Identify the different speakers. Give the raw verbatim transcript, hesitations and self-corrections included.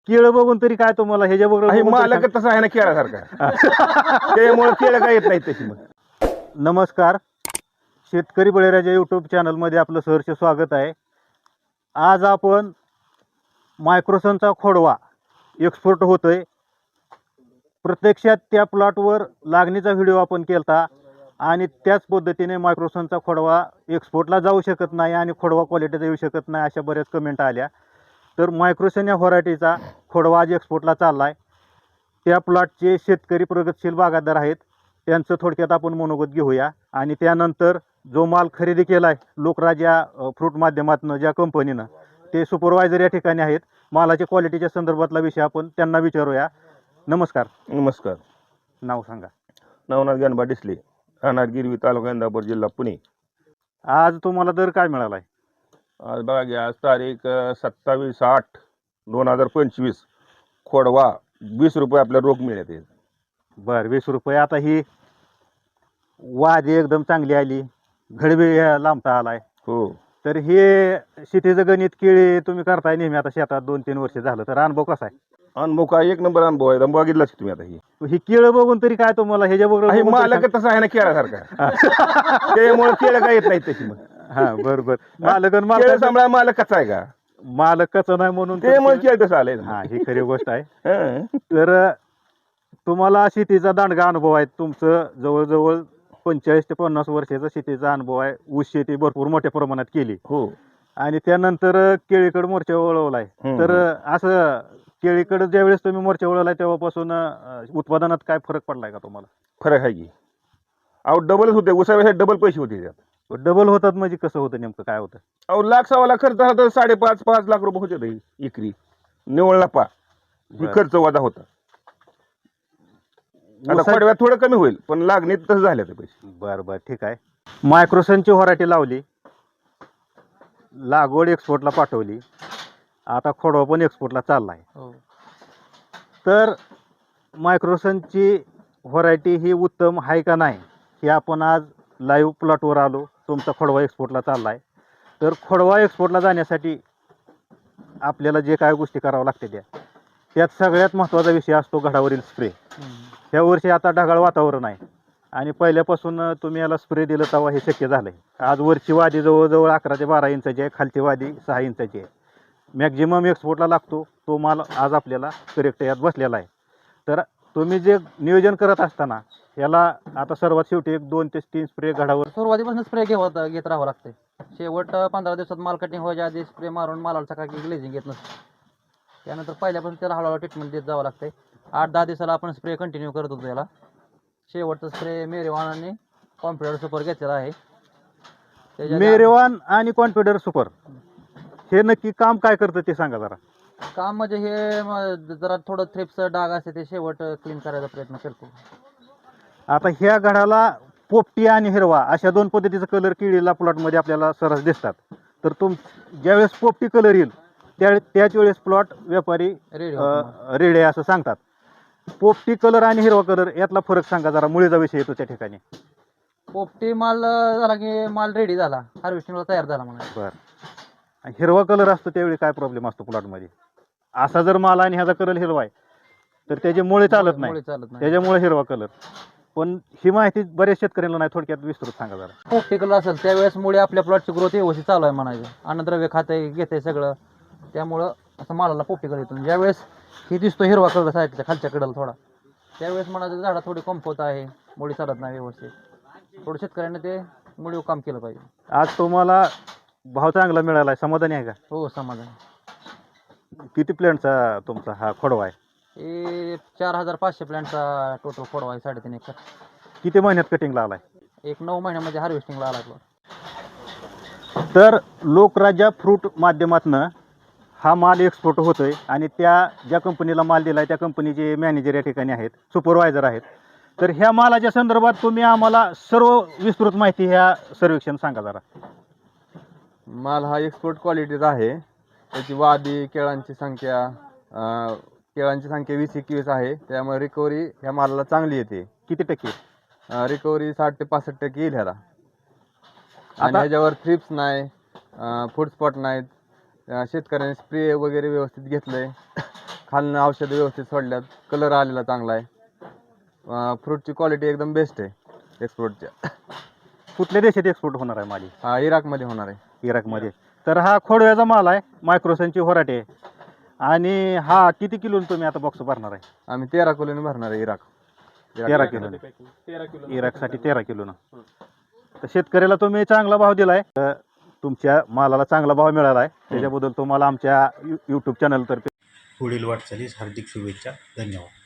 Speaker 1: केळं बघून तरी काय तुम्हाला ह्याच्या
Speaker 2: आहे
Speaker 1: बरोबर
Speaker 2: मालक तसं आहे ना केळासारखा त्यामुळे केळं काय येत नाही तशी मग.
Speaker 1: नमस्कार, शेतकरी बळीराजा यूट्यूब चॅनलमध्ये आपलं सहर्ष स्वागत आहे. आज आपण मायक्रोसनचा खोडवा एक्सपोर्ट होतोय. प्रत्यक्षात त्या प्लॉटवर लागणीचा व्हिडिओ आपण केला आणि त्याच पद्धतीने मायक्रोसनचा खोडवा एक्सपोर्टला जाऊ शकत नाही आणि खोडवा क्वालिटीचा येऊ शकत नाही अशा बऱ्याच कमेंट आल्या. तर मायक्रोसन या व्हरायटीचा खोडवा आज एक्सपोर्टला चालला आहे. त्या प्लॉटचे शेतकरी प्रगतशील बागायतदार आहेत, त्यांचं थोडक्यात आपण मनोगत घेऊया आणि त्यानंतर जो माल खरेदी केला आहे लोकराजा फ्रूट माध्यमातून ज्या कंपनीनं, ते सुपरवायझर या ठिकाणी आहेत. मालाच्या क्वालिटीच्या संदर्भातला विषय आपण त्यांना विचारूया. नमस्कार.
Speaker 2: नमस्कार.
Speaker 1: नाव सांगा.
Speaker 2: नवनाथ गणबा डिसले, राहणार गिरवी, तालुका इंदापूर, जिल्हा पुणे.
Speaker 1: आज तुम्हाला दर काय मिळाला आहे?
Speaker 2: आज बघा घ्या, आज तारीख सत्तावीस आठ दोन हजार पंचवीस. खोडवा वीस रुपये आपल्या रोख मिळते.
Speaker 1: बरं, वीस रुपये. आता ही वादी एकदम चांगली आली, घडबी लांबता आलाय.
Speaker 2: हो,
Speaker 1: तर हे शेतीचं गणित केळी तुम्ही करताय नेहमी, आता शेतात दोन तीन वर्ष झालं, तर अनुभव कसा आहे?
Speaker 2: अनुभव काय एक नंबर अनुभव आहे. बघितलाच तुम्ही आता ही
Speaker 1: ही केळं बघून तरी काय तुम्हाला ह्याच्या
Speaker 2: आहे
Speaker 1: बरोबर
Speaker 2: मालक तसं आहे ना केळासारखा त्यामुळे केळं काय येत नाही तशी मग.
Speaker 1: हा बरोबर. मालक आणि
Speaker 2: केळं
Speaker 1: मालक
Speaker 2: सांभाळा मालक कसा आहे का
Speaker 1: मालक कसं नाही म्हणून तर
Speaker 2: त्यामुळे
Speaker 1: केळं-
Speaker 2: केळं तसं आलंय ना.
Speaker 1: हा, ही खरी गोष्ट आहे.
Speaker 2: हं.
Speaker 1: तर तुम्हाला शेतीचा दांडगा अनुभव आहे. तुमचं जवळजवळ पंचेचाळीस ते पन्नास वर्षाचा शेतीचा अनुभव आहे. ऊस शेती भरपूर मोठ्या प्रमाणात केली
Speaker 2: हो,
Speaker 1: आणि त्यानंतर केळीकडे मोर्चा वळवलाय.
Speaker 2: हम्म.
Speaker 1: तर असं केळीकडे ज्यावेळेस तुम्ही मोर्चा वळवलाय तेव्हापासून अं, उत्पादनात काय फरक पडलाय का तुम्हाला?
Speaker 2: फरक आहे की. अहो डबलच होते, उसापेक्षा डबल पैसे होते त्यात.
Speaker 1: डबल होतात म्हणजे कसं होतं, नेमकं काय होतं?
Speaker 2: अहो लाख सव्वा लाख खर्च झाला तर साडेपाच पाच लाख रुपये होते ते एकरी निवळ नफा. ही
Speaker 1: बरं.
Speaker 2: खर्च वजा होता. आता
Speaker 1: ऊसात-
Speaker 2: खोडव्यात थोडं कमी होईल, पण लागणीत तसं झालं ते पैसे.
Speaker 1: बरं बरं, ठीक आहे. मायक्रोसनची व्हरायटी लावली, लागवड एक्सपोर्टला पाठवली, आता खोडवा पण एक्सपोर्टला चालला आहे. तर मायक्रोसनची व्हरायटी ही उत्तम आहे का नाही हे आपण आज लाईव्ह प्लॉटवर आलो. तुमचा खोडवा एक्सपोर्टला चालला आहे. तर खोडवा एक्सपोर्टला जाण्यासाठी आपल्याला जे काय गोष्टी कराव्या लागते त्या त्यात सगळ्यात महत्त्वाचा विषय असतो घडावरील स्प्रे. ह्या वर्षी आता ढगाळ वातावरण आहे आणि पहिल्यापासून तुम्ही याला स्प्रे दिलं तेव्हा हे शक्य झालं आहे. आज वरची वादी जवळजवळ अकरा ते बारा इंचाची आहे, खालची वादी सहा इंचाची आहे. मॅक्झिमम एक्सपोर्टला लागतो तो माल आज आपल्याला करेक्ट यात बसलेला आहे. तर तुम्ही जे नियोजन करत असताना याला आता सर्वात शेवटी एक दोन ते तीन स्प्रे घडावर
Speaker 3: सुरुवातीपासून स्प्रे घेत घेत राहावं लागते. शेवट पंधरा दिवसात माल कटिंग व्हायच्या आधी स्प्रे मारून मालाला सकाळी ग्लेझिंग घेत नसते. त्यानंतर पहिल्यापासून त्याला हळूहळू ट्रीटमेंट देत जावं लागते. आठ दहा दिवसाला आपण स्प्रे कंटिन्यू करत होतो याला. शेवटचा स्प्रे मेरेवान आणि कॉम्प्युटर सुपर घेतलेला आहे. त्याच्या आधी
Speaker 1: मेरेवान आणि कॉन्फिडर सुपर हे नक्की काम काय करतं ते सांगा जरा.
Speaker 3: काम म्हणजे हे म- जरा थोडं थ्रिप्स डाग असते ते शेवट क्लीन करायचा प्रयत्न करते.
Speaker 1: आता ह्या घडाला पोपटी आणि हिरवा अशा दोन पद्धतीचा कलर केळीला प्लॉटमध्ये आपल्याला सरस दिसतात. तर तुम ज्यावेळेस पोपटी कलर येईल त्या त्याच वेळेस प्लॉट व्यापारी
Speaker 3: रेडी
Speaker 1: रेड आहे असं सांगतात. पोपटी कलर आणि हिरवा कलर यातला फरक सांगा जरा, मुळीचा विषय येतो त्या ठिकाणी.
Speaker 3: पोपटी माल झाला की माल रेडी झाला, हार्वेस्टिंगला तयार झाला म्हणा.
Speaker 1: बरं. हिरवा कलर असतो त्यावेळी काय प्रॉब्लेम असतो प्लॉटमध्ये? असा जर माल आणि ह्याचा कलर हिरवा आहे तर त्याचे मुळे चालत नाही,
Speaker 3: मुळे चालत नाही.
Speaker 1: त्याच्यामुळे हिरवा कलर. पण ही माहिती बऱ्याच शेतकऱ्यांना नाही, थोडक्यात विस्तृत सांगा जरा.
Speaker 3: पोपटी कलर असेल त्यावेळेस मुळे आपल्या प्लॉटची ग्रोथ व्यवस्थित चालू आहे म्हणायचं. अन्नद्रव्य खाते घेते सगळं, त्यामुळं असं मालाला पोपटी कलर येतो. ज्यावेळेस ही दिसतो हिरवा कलर साईडच्या खालच्या कडेला थोडा, त्यावेळेस म्हणायचं झाडा थोडी कमफवत आहे, मुळी चालत नाही व्यवस्थित. थोडं शेतकऱ्यांनी ते मुळी काम केलं पाहिजे.
Speaker 1: आज तुम्हाला भाव चांगला मिळाला आहे, समाधानी आहे का?
Speaker 3: हो, समाधान.
Speaker 1: किती प्लॅनचा तुमचा हा खोडवा आहे?
Speaker 3: हे चार हजार पाचशे प्लॅनचा टोटल फोडवा आहे, साडेतीन एकर.
Speaker 1: किती महिन्यात कटिंगला आलाय?
Speaker 3: एक नऊ महिन्यामध्ये हार्वेस्टिंगला आला प्लॉट.
Speaker 1: तर लोकराजा फ्रूट माध्यमातनं हा माल एक्सपोर्ट होतोय आणि त्या ज्या कंपनीला माल दिला आहे त्या कंपनीचे मॅनेजर या ठिकाणी आहेत, सुपरवायझर आहेत. तर ह्या मालाच्या संदर्भात तुम्ही आम्हाला सर्व विस्तृत माहिती ह्या सर्वेक्षण सांगा जरा.
Speaker 4: माल हा एक्सपोर्ट क्वालिटीचा आहे. त्याची वादी केळांची संख्या अं, केळांची संख्या वीस एकवीस आहे. त्यामुळे रिकव्हरी ह्या मालाला चांगली येते.
Speaker 1: किती टक्के?
Speaker 4: रिकव्हरी साठ ते पासष्ट टक्के येईल ह्याला. आणि
Speaker 1: आता-
Speaker 4: ह्याच्यावर थ्रिप्स नाही, फूड स्पॉट नाहीत. अं, शेतकऱ्यांनी स्प्रे वगैरे व्यवस्थित घेतलंय. खालनं औषधं व्यवस्थित सोडल्यात, कलर आलेला चांगला आहे, फ्रूटची क्वालिटी एकदम बेस्ट आहे एक्सपोर्टच्या.
Speaker 1: कुठल्या देशात एक्सपोर्ट होणार आहे माल?
Speaker 4: हा इराकमध्ये होणार आहे.
Speaker 1: इराकमध्ये. तर हा खोडव्याचा माल आहे, मायक्रोसनची व्हरायटी आहे. आणि हा किती किलो तुम्ही आता बॉक्स भरणार आहे?
Speaker 4: आम्ही तेरा किलोने भरणार आहे इराक.
Speaker 1: तेरा किलो इराकसाठी तेरा किलोनं. तर शेतकऱ्याला तुम्ही चांगला भाव दिलाय, तर तुमच्या मालाला चांगला भाव मिळाला आहे, त्याच्याबद्दल तुम्हाला आमच्या यूट्यूब चॅनल तर्फे पुढील वाटचालीस हार्दिक शुभेच्छा. धन्यवाद.